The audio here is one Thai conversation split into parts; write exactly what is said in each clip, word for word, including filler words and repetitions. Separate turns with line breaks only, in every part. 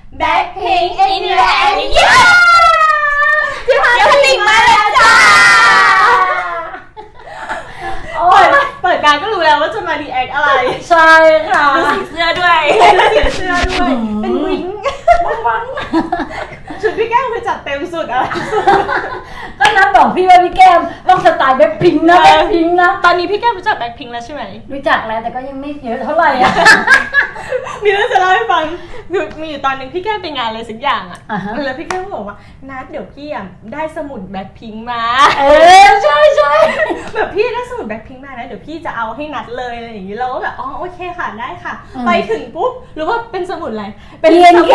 Blackpink India ที่พาลิงมาแล้วจ้าเปิดเปิดการก็รู้แล้วว่าจะมาดีแอคอะไร
ใช่ค่ะ
ดูสีเสื้อด้วยดูสีเสื้อด้วยเป็นวิ้งวังชุดพี่แก้มคือจัดเต็มสุดอะไร
ก็นับบอกพี่ว่าพี่แก้มต้องสไตล์แบ็คพิงค์นะแบ็คพิงค์นะ
ตอนนี้พี่แก้มรู้จักแบ็คพิงค์แล้วใช่ไหม
รู้จักแล้วแต่ก็ยังไม่เยอะเท่าไหร่อ่ะ
มีเรื่องจะเล่าให้ฟังคือมีอยู่ตอนนึงพี่แก้มไปงานอะไรสักอย่างอ่ะแล้วพี่แก้มบอกว่านัดเดี๋ยวพี่อ่ะได้สมุดแบ็คพิงค์มา
เออใช่ใช่
แบบพี่ได้สมุดแบ็คพิงค์มานะเดี๋ยวพี่จะเอาให้นัดเลยอะไรอย่างนี้เราก็แบบอ๋อโอเคค่ะได้ค่ะไปถึงปุ๊บรู้ว่าเป็นสมุดอะไร
เป็น บี เอ็น เค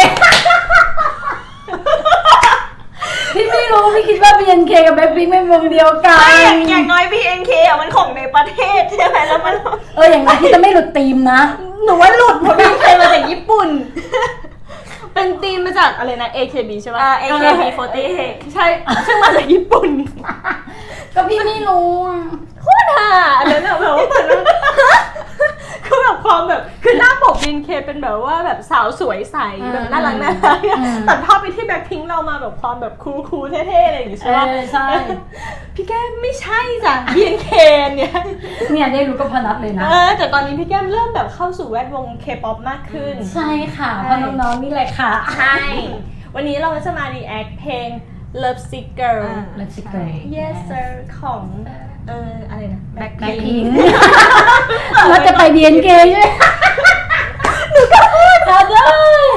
พี่ไม่รู้พี่คิดว่า บี เอ็น เค กับแบ็คพิงค์เป็นวงเดียวกัน
อย่างน้อย บี เอ็น เค อ่ะมันของในประเทศใช่ไหมแล้วมัน
เอออย่างน้อยที่จะไม่หลุดธีมนะ
หนูว่าหลุดเพราะ บี เอ็น เค มาจากญี่ปุ่นเป็นธีมมาจากอะไรนะ เอ เค บี ใช่ป่ะ เอ เค บี สี่สิบแปดใช่ซึ่งมาจากญี่ปุ่น
ก็พี่ไม่รู้
โคตรห่าอันนั้นแบบว่าคือแบบความแบบคือหน้าปก บี เอ็น เค เป็นแบบว่าแบบสาวสวยใสแบบน่ารักน่ารักตัดภาพไปที่แบ็คพิงค์เรามาแบบความแบบคูลๆเท่ๆอะไรอย่างงี้ใช่ป่ะ
ใช่
พี่แก้มไม่ใช่จ้ะ บี เอ็น เค เนี่ย
เนี่ยได้รู้ก็พนัดเลยนะ
เออแต่ตอนนี้พี่แก้มเริ่มแบบเข้าสู่แวดวง K-pop มากขึ้น
ใช่ค่ะเพราะน้องๆนี่แหละค่ะ
ใช่วันนี้เราจะมารีแอคเพลง Love Sick Girl
Love Sick Girl
Yes Sir ของเอออะไรนะ
Blackpink เราจะไป บี เอ็น เค ใช่ไหมหนูก็พูดเอาเลย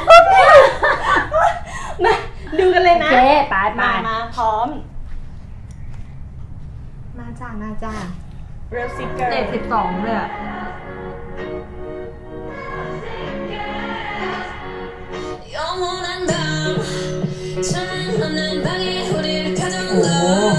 มาดูกันเลยนะ
โอเคไป
มามาพร้อมมาจ้ามาจ้า Love Sick Girl
เลขสิบสองเลยอะโอ้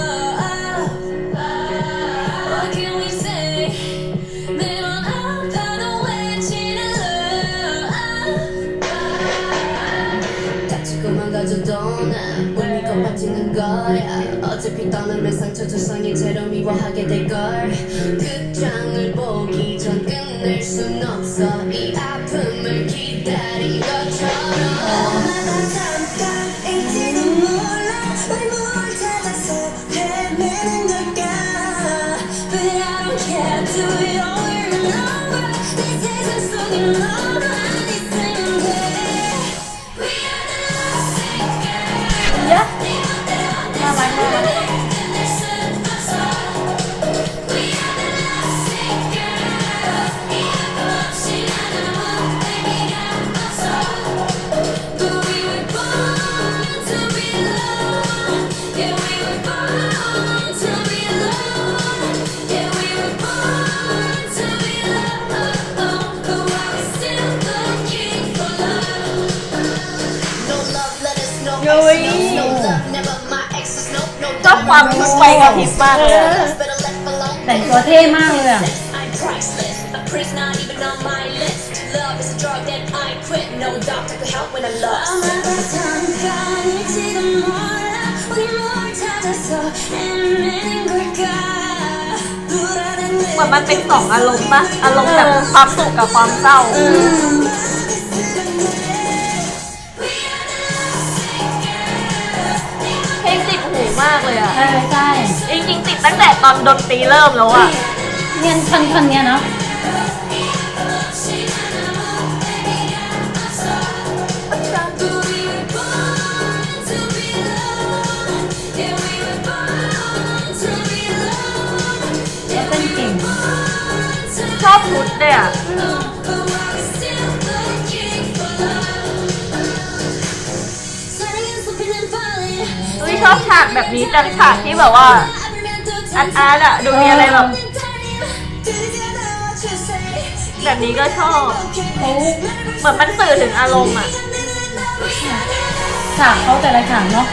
ชอบความชุดไฟกระพริบมากเลย
แต่งตัวเท่มากเลยอ่ะ
เหมือนมันเป็นสองอารมณ์ป่ะอารมณ์แบบความสุขกับความเศร้าเพลงติดหูมากเลยอ่ะ
ใช่ใช่
จริงๆติดตั้งแต่ตอนดนตรีเริ่มแล้วอ่ะ
เนี่ยคันคันเนี้ยเนาะ
ชอบชุดเลยอ่ะอุ้ยชอบฉากแบบนี้จังฉากที่แบบว่าอาร์ตอาร์ตอะดูมีอะไรแบบแบบนี้ก็ชอบเหมือนมันสื่อถึงอารมณ์อะ
ฉากเขาแต่ละฉากเนาะ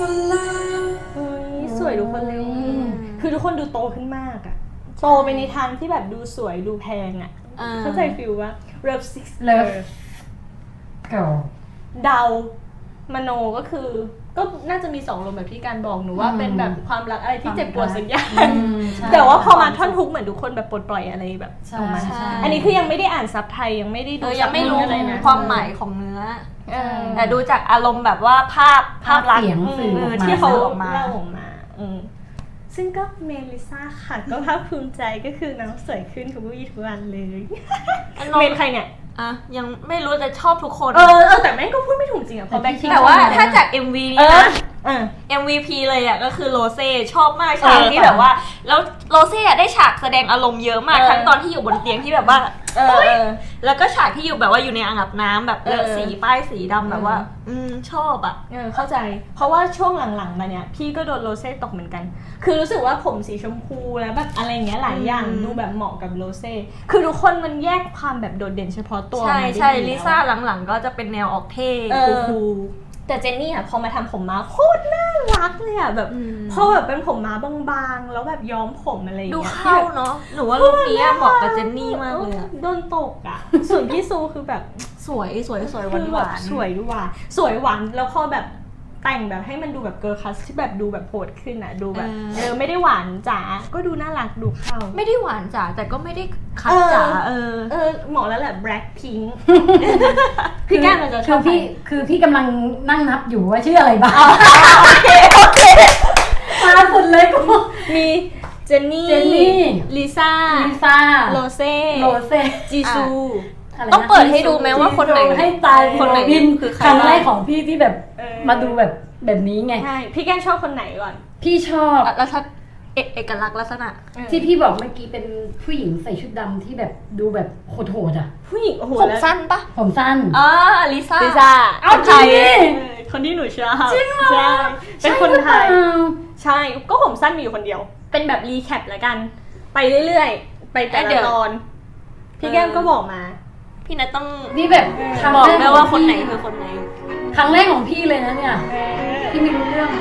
เฮ้ยสวยทุกคนเลยคือทุกคนดูโตขึ้นมากอะโตไปในทางที่แบบดูสวยดูแพงอะเข้าใจฟิลว่า Love Six
Love เก่า
เดามโนก็คือก็น่าจะมีสองลมแบบที่การบอกหนูว่าเป็นแบบความรักอะไรที่เจ็บปวดสักอย่างแต่ว่าพอมาท่อนฮุกเหมือนทุกคนแบบปลดปล่อยอะไรแบบออกมาอันนี้คือยังไม่ได้อ่านซับไทยยังไม่ได้ดู
ยังไม่รู้
อะไรนะ
ความหมายของเนื้อแต่ดูจากอารมณ์แบบว่าภาพภาพลักษณ์
เสียงสื่อออกมา
ที่เขา
ออกมา
เล่าออกมาอืมซึ่งก็เมลิซ่าค่ะก็ภาคภูมิใจก็คือน้องสวยขึ้นทุกวี่ทุกวันเลยเมนใครเนี่ย
อ่ะยังไม่รู้แต่ชอบทุกคน
เออเออแต่แม่งก็พูดไม่ถูกจริงอ่ะเพราะแบ็คพิงค์
แต่ว่าถ้าจาก เอ็ม วี
เอ
นี้
อ
นะ
เออ
เอ็ม วี พี เลยอ่ะก็คือโรเซ่ชอบมากฉาก
เออ
ที่แบบว่าแล้วโรเซ่อะได้ฉากแสดงอารมณ์เยอะมาก
เออ
ทั้งตอนที่อยู่บนเตียงที่แบบว่า
เออเออ
แล้วก็ฉากที่อยู่แบบว่าอยู่ในอ่างอาบน้ำแบบเลอะ
เออ
สีป้ายสีดำแบบว่า อืมชอบอ่ะ
เออเข้าใจ เพราะว่าช่วงหลังๆมาเนี่ยพี่ก็โดนโรเซ่ตกเหมือนกัน คือรู้สึกว่าผมสีชมพูแล้วแบบอะไรอย่างเงี้ยหลายอย่าง
อืม
ดูแบบเหมาะกับโรเซ่คือทุกคนมันแยกความแบบโดดเด่นเฉพาะตัว
ใช่
มาได้
ใช่
ดี
ลิ
แล้ว
ซ่าหลังๆก็จะเป็นแนวออกเท่
เออ
คูล
แต่เจนนี่อ่ะพอมาทำผมม้าโคตรน่ารักเลยอ่ะแบบ
อืม
พอแบบเป็นผมม้าบางๆแล้วแบบย้อมผมอะไรอย่าง
ๆดู
เงี้ย
เข้าเนาะหนูว่าลุคนี้อะเหมาะกับเจนนี่มากเลยอะ
โดนตกอ่ะ ส่วนพี่ซูคือแบบ
สวยสวยสวยหวาน
คือ
ห
แบ
วา
บ
น
สวยด้วยว่ะสวยหวานแล้วพอแบบแต่งแบบให้มันดูแบบเกิร์ลคัสที่แบบดูแบบโหดขึ้นอ่ะดูแบบเออไม่ได้หวานจ๋าก็ดูน่ารักดูเข้า
ไม่ได้หวานจ๋าแต่ก็ไม่ได้คัดจ๋าเออ
เออเหมาะแล้วแหละ Black Pink พี่แก้มมันจะช
คือ อบ พี่คือพี่กำลังนั่งนับอยู่ว่าชื่ออะไรบ้าง
โอเคโอเค
มาสุดเลยกู
มีเจนนี่
เจนนี่
ลิซ่า
ลิซ่า
โรเซ่
โรเซ่
จีซู
ะไรนะ
ต้องเปิดให้ดูไหมว่าคนไหน
ให้ตาย
คนไหน
บิน
คือใคร
ครั้งแรกของพี่ที่แบบ
เออ
มาดูแบบแบบนี้ไง
ใช่พี่แก้มชอบคนไหนก่อน
พี่ชอบ
แล้วถ้าเอกเอกลักษณ์ลักษณะ
ที่พี่บอกเมื่อกี้เป็นผู้หญิงใส่ชุดดำที่แบบดูแบบโหดๆอ่ะ
ผู้หญิงโอ้โห
ผม
แล้ว
สั้นปะ
ผมสั้น
อ่าลิซ่า
ลิซ่า
เอาจริงดิ
เออคนที่หนูชอบจริงเหรอใช่เป็นคนไทย ใช่ก็ผมสั้นมีอยู่คนเดียว เป็นแบบรีแคปแล้วกัน ไปเรื่อยๆ ไปแต่ละตอน พี่แก้มก็บอกมา
พี่นัทต้อง
นี่แบบครั้ง
บอก
แรก
ได้ว่าคนไหนคือคนไหน
ครั้งแรกของพี่เลยนะเนี่ยพี่ไม่รู้เรื่อง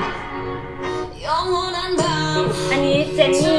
อันนี้เจนนี่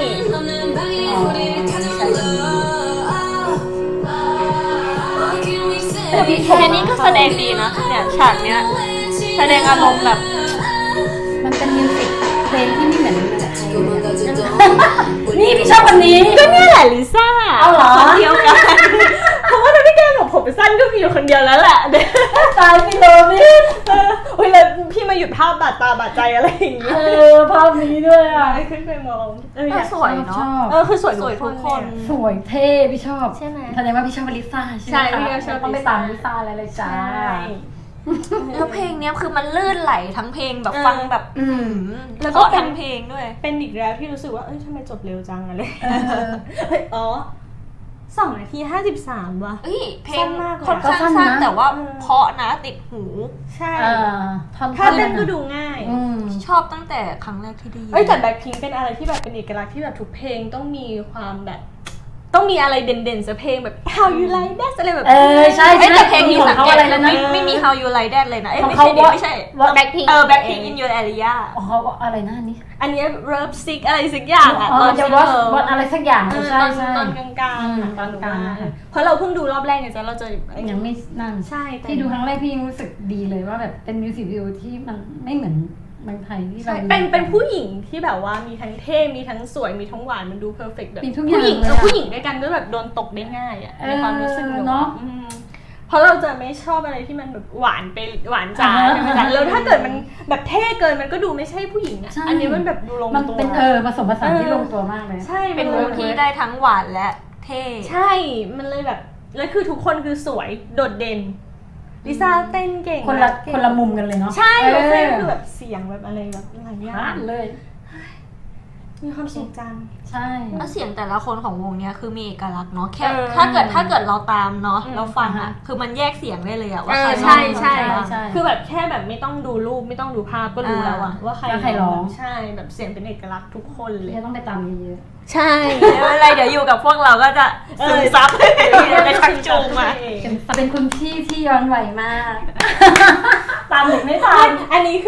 แต่พี่เจนนี่ก็แสดงดีนะเนี่ยฉากเนี้ยแสดงอารมณ์แบบ
มันเป็นมิวสิกเพลงที่ไม่เหมือนมิวสิกเพลงนี่พี่ชอบคนนี้
ก็เนี่ยแหละลิซ่า
เอาเหรอ
คนเดียวกัน เพราะว่าถ้าพี่แก้มบอกผมสั้นก็มีอยู่คนเดียวแล้วแหละ
ตายไปเลยพี่
เออโอ้ยแล้วพี่มาหยุดภาพบาดตาบาดใจอะไรอย่างเงี้
เอย อภาพนี้ด้วยอ่ะ
ไม่ขึ้นไปมองเอออยาก
สวยเนาะ
ชอบ
เออคือสวย
สวยทุกคน
สวยเท่พี่ชอบ
ใช่ไหม
แสดงว่าพี่ชอบลิซ่า
ใช่
ไหม
พี่
คะ
ก็ชอบ
ต้องไป
ลิซ่า
ตามลิซ่าเลยเลยจ้า
แล้วเพลงเนี้ยคือมันลื่นไหลทั้งเพลงแบบ
เออ
ฟังแบบ
อืม
แล้วก็
เพราะ
เป็น
ทั้งเพลงด้วย
เป็นอีกแล้วที่รู้สึกว่าเอ้ยทำไมจบเร็วจังอะไร
เออ
เฮ้ยอ๋อสองนาทีห้าสิบสามว่ะ
เอ้ยเพล
สั้
ง
นมากเลย
ค่อนข้าง
ก็สั้
สั้
น
น
นะ
แต่ว่า
เออ
เพราะนะติดหู
ใช่
เออท่อน
ถ้าเต้นก็ดูง่าย
อืม
ชอบตั้งแต่ครั้งแรกที่ได้ยิน
เอ้ยแต่แบ็คพิงค์เป็นอะไรที่แบบเป็นเอกลักษณ์ที่แบบทุกเพลงต้องมีความแบบ ต้องมีอะไรเด่นๆสักเพลงแบบ How You Like That อะไรแบบ
เออใช่
เอ้ยแต่เพลงนี้
ของ
สัง
เขา
เกต
อะไรแล้วนะ
ไม่ไม่มี How You Like That เลยนะเอ้ย
ของ
ไม่
เขา
ใช่ดิ
ว่า
ไม่ใช่
ว่า
Blackpink
เออ Blackpink in Your Area
อ๋อเขาอะไรนะอันนี้
อันเนี้ย Love Sick อะไรสักอย่างอะ
อ๋
ต
อ
อน
จะ
ที่
วัด
เรา
วัดอะไรสักอย่าง
เออ
ใช่
ตอน
ใช่
ตอนกลางๆ
อืม
อะตอน
กลางๆ
ว่า
ค่ะ
เพราะเราเพิ่งดูรอบแรกเนี่ยจะเราจะ
ยังไม่นั่น
ใช่แต่
ที่ดูครั้งแรกพี่ยังรู้สึกดีเลยว่าแบบเป็นมิวสิกวิดีโอที่มันไม่เหมือนเมืองไทยที่
ใช่
เรา
เป็นเป็นผู้หญิงที่แบบว่ามีทั้งเท่ มีทั้งสวย มีทั้งหวาน มันดูเพอร์เฟกต์แบบ
มีทุกอย่าง
ผู้หญิง
เลย
เอ
อะ
อผู้หญิงด้วยกันก็แบบโดนตกได้ง่ายอ่ะ
เออ
ในความรู้สึกหนู
เนอะ
อืมเพราะเราจะไม่ชอบอะไรที่มันแบบหวานไปหวานจ๋า
อ่า
ใช่ไหมจ๊ะแล้วถ้าเกิดมันแบบเท่เกินมันก็ดูไม่ใช่ผู้หญิงอ่ะ
ใช่
อันนี้มันแบบดูลง
มัน
ตัว
เป็นเออผสมผสาน
เออ
ที่ลงตัวมากเลย
ใช่
เป็น
มั
วงที่ได้ทั้งหวานและเท่
ใช่ มันเลยแบบแล้วคือทุกคนคือสวยโดดเด่นลิซ่าเต้นเก่ง
คนละ
เก่ง
คนละมุมกันเลยเนาะ
ใช่
เอ
โรเซ่
อ
คือแบบเสียงแบบอะไรแบบหลายอย่า
พลาง ดเลย
มีความสุขจัง
ใช่
แล้วเสียงแต่ละคนของวงเนี้ยคือมีเอกลักษณ์เนาะแค่
เออ
ถ้าเกิดถ้าเกิดเราตามเนาะ
อืม
เราฟัง
อ่า
อะ
ฮะ
คือมันแยกเสียงได้เลยอะว่า
เอ
ใคร
อ
ร้อง
ใช่ใช่
ใครบ้าง
ใช่
คือแบบแค่แบบไม่ต้องดูรูปไม่ต้องดูภาพก็รู้แล้วอะ
อ่า
ว่าใคร
ว่าใครร้อง
ใช่แบบเสียงเป็นเอกลักษณ์ทุกคนเลย
จะต้องไปตามเยอะ
ใช่
ไม่เป็นไรเดี๋ยวอยู่กับพวกเราก็จะซึมซับจะชักจูงมา
ๆเป็นเป็นคุณพี่ที่ย้อนไหวมาก ตามหนูไม่ทั
อั
น
นอันนี้คือ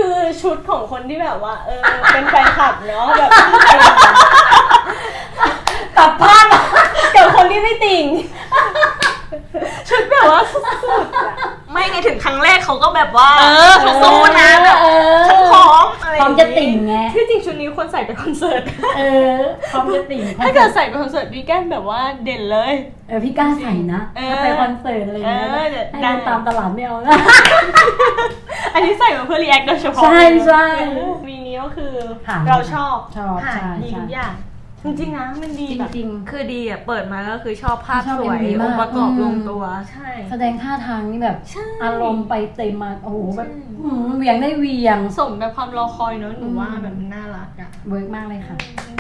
ชุดของคนที่แบบว่าเออเป็นแฟนคลับเนาะแบบ
ตัดภาพ
กับคนที่ไม่ติ่งชุดแบบว่าสุดๆอะ
ไม่ไงถึงครั้งแรกเขาก็แบบว่า
เออ
เขาสู้นะแบบ
เออ
ฉันพร้อมอะไร
พร้อมจะติ่งไง
ที่จริงชุดนี้ควรใส่ไปคอนเสิร์ต
เออพร้อมจะติ่ง
ถ้าเกิดใส่ไปคอนเสิร์ตพี่แก้มแบบว่าเด่นเลย
เออพี่กล้าใส่นะ
เออ
ถ้าไปคอนเสิร์ตอะไรอย่างเงี้ย
เออเดี๋ยว
ให้
ได้
เดินตามตลาดไม่เอานะ
อันนี้ใส่มาเพื่อรีแอคโดยเฉพาะ
ใช่ใช่
วีนี้ก็คือ
ผ่าน
เราชอบ
ชอบ
ผ่าน
ใช่
ดี
ใช่
ทุกอย่างจริงๆนะมันดี
จ
แบบ
ริง
คือดีอ่ะเปิดมาก็คือชอบภาพ
ชอบ
สวย
เอ็มวีมาก
องค์ประกอบ
อืม
ลงตัว
ใช่
ๆแสดงท่าทางนี่แบบ
ใช่
อารมณ์ไปเต็มมาโอ้โหแบบ
ใช่
หืมเหวียงได้เหวียง
สมแบบความรอคอยเนอะหนูว่า
อืม
แบบมันน่ารักอะ
เวิร์กมากเลยค่ะ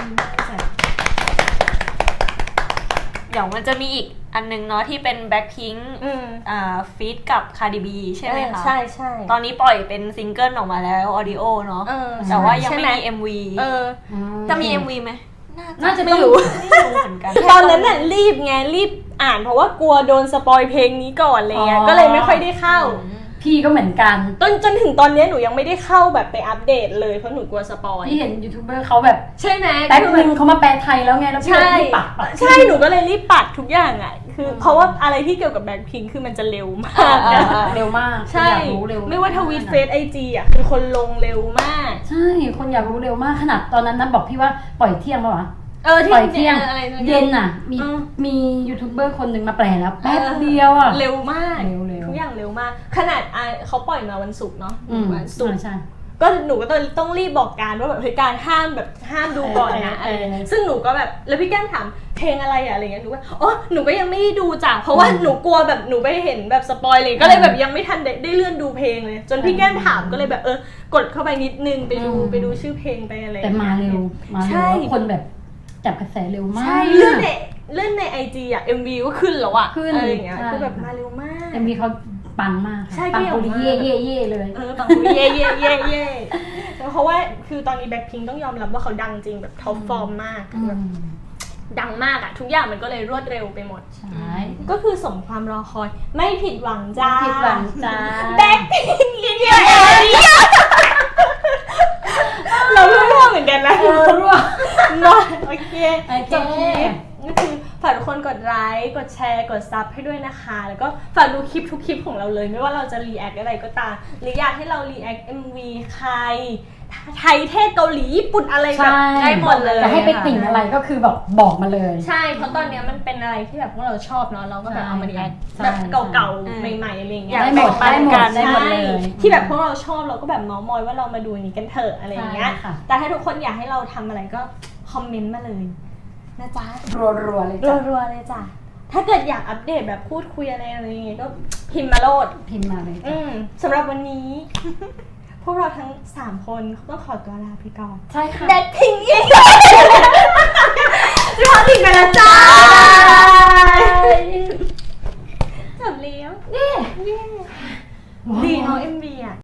เดี๋ยวมันจะมีอีกอันนึงเนาะที่เป็นแบ็คพิงค์
อืม
อ่าฟีดกับคาร์ดิบีใช่ไหมคะ
ใช่ใช่
ตอนนี้ปล่อยเป็นซิงเกิลออกมาแล้วออดิโอเนาะ
เออ
แต่ว่ายัง
ใช่
ไม่
ไห
มี เอ็ม วี
เออ
จะมี เอ็ม วีไหม
น่าจะ
ไม่
ต้อง
รู้
ไม่รู้เหมือนกัน
ตอนนั้นน่ะรีบไงรีบอ่านเพราะว่ากลัวโดนสปอยเพลงนี้ก่อนอะไรเงี้ย
อ๋อ
ก็เลยไม่ค่อยได้เข้า
พี่ก็เหมือนกัน
จนจนถึงตอนเนี้ยหนูยังไม่ได้เข้าแบบไปอัปเดตเลยเพราะหนูกลัวสปอย
พี่เห็นยูทูบเบอร์เขาแบบ
ใช่ไหม
แป๊บนึงเขามาแปลไทยแล้วไงแล้วพี่
ใช่
เลยรีบปักปัก
ใช่หนูก็เลยรีบปัดทุกอย่างอ่ะคือเพราะว่าอะไรที่เกี่ยวกับแบ็คพิงค์คือมันจะเร็วมาก
เออ
อะ
เออเร็วมาก
ใช่
อยากรู้เร็ว
ไม่ว่าทวีตเฟซไอจีอ่ะคือคนลงเร็วมาก
ใช่คนอยากรู้เร็วมากขนาดตอนนั้นนะบอกพี่ว่าปล่อยเที่ยงป่ะวะ
เออที่
ปล่อยเที่ยง
อะไรนะ
เย็นน่ะ มี
เออ
มียูทูบเบอร์คนหนึ่งมาแปลแล้วแป๊บเดียวอ่ะ
เร็วมาก
เร็วเร็ว
ทุกอย่างเร็วมาก ขนาดอ่ะเขาปล่อยมาวันศุกร์เนาะ
อืม
วันศุกร์
ใช่
ก็หนูก็ต้องต้องรีบบอกการว่าแบบเฮ้ยการห้ามแบบห้ามดูก่อนนะ
เออเออ
อะไรซึ่งหนูก็แบบแล้วพี่แก้มถามเพลงอะไรอะอะไรเงี้ยหนูว่าอ๋อหนูก็ยังไม่ได้ดูจ้ะเพราะว่า
อืม
หนูกลัวแบบหนูไปเห็นแบบสปอยเลยก็เลยแบบยังไม่ทันได้ได้เลื่อนดูเพลงเลย จนพี่แก้มถามก็เลยแบบเออกดเข้าไปนิดนึงไปดู
อืม
ไปดูชื่อเพลงไปอะไร
แต่มาเร็วมาเร็ว
ใช่
แล้วคนแบบจับกระแสเร็วมาก
ใช่เลื่อนในเลื่อนในไอจีอะเอ็มวีก็ขึ้นแล้วอะ
ขึ้น
อะไรอย่างเงี้ย
ใช่
คือแบบมาเร็วมาก
เอ็มวีเขาปังมากค่ะ
ใช่
ปัง
เกี่ยว
ปุริ
มาก
เย่เย่เย่เลย
เออปังปุริเย่เย่เย่เย่เพราะว่าคือตอนนี้แบ็คพิงต้องยอมรับว่าเขาดังจริงแบบท็อปฟอร์มมาก
อื
คือแบบ
ม
ดังมากอะทุกอย่างมันก็เลยรวดเร็วไปหมด
ใช่
ก็คือสมความรอคอยไม่ผิดหวังจ้า
ผิดหวังจ้า
แบ็คพิงอินเดียเอเรียเราเรื่องเหมือนกันนะ
เออรั่ว
มาโอเค
โอเค
จบคลิปก็คือฝากทุกคนกดไลค์กดแชร์กดซับให้ด้วยนะคะ แล้วก็ฝากดูคลิปทุกคลิปของเราเลย ไม่ว่าเราจะรีแอคอะไรก็ตามหรืออยากให้เรารีแอค เอ็ม วี ใครไทยเทศเกาหลีญี่ปุ่นอะไรแบบ
ใช่
ได้หมดเลย
จะให้ไปติ่งอะไรก็คือแบบบอกมาเลย
ใช่ เพราะตอนเนี้ยมันเป็นอะไรที่แบบพวกเราชอบเนาะ เราก็แบบเอามารีแอค
ใช่
แบบเก่า
ใช่
ๆ ใหม่ๆ อะไรอย่างเงี้
อย ยาก
ได้หมด
แบ่
ได้
ง
หม
ปั
ด
นกัน
ได้หมดเลย
ที่แบบพวกเราชอบเราก็แบบเมาส์มอยว่าเรามาดูอันนี้กันเถอะอะไรอย่างเงี้ย
ใช่ค่ะ
แต่ถ้าทุกคนอยากให้เราทำอะไรก็คอมเมนต์มาเลยนะจ๊ะ
รัวๆเลยจ้ะ
รัวๆเลยจ้ะ ถ้าเกิดอยากอัปเดตแบบพูดคุยอะไรอะไรอย่างเงี้ยก็พิมพ์มาโลด
พิมพ์มาเลยจ้ะ
อืมสำหรับวันนี้ พวกเราทั้งสามคนต้องขอตัวลาไปก่อน
ใช่ค่ะ
แดดพิงอีกจะพอติดกันแล้วจ้า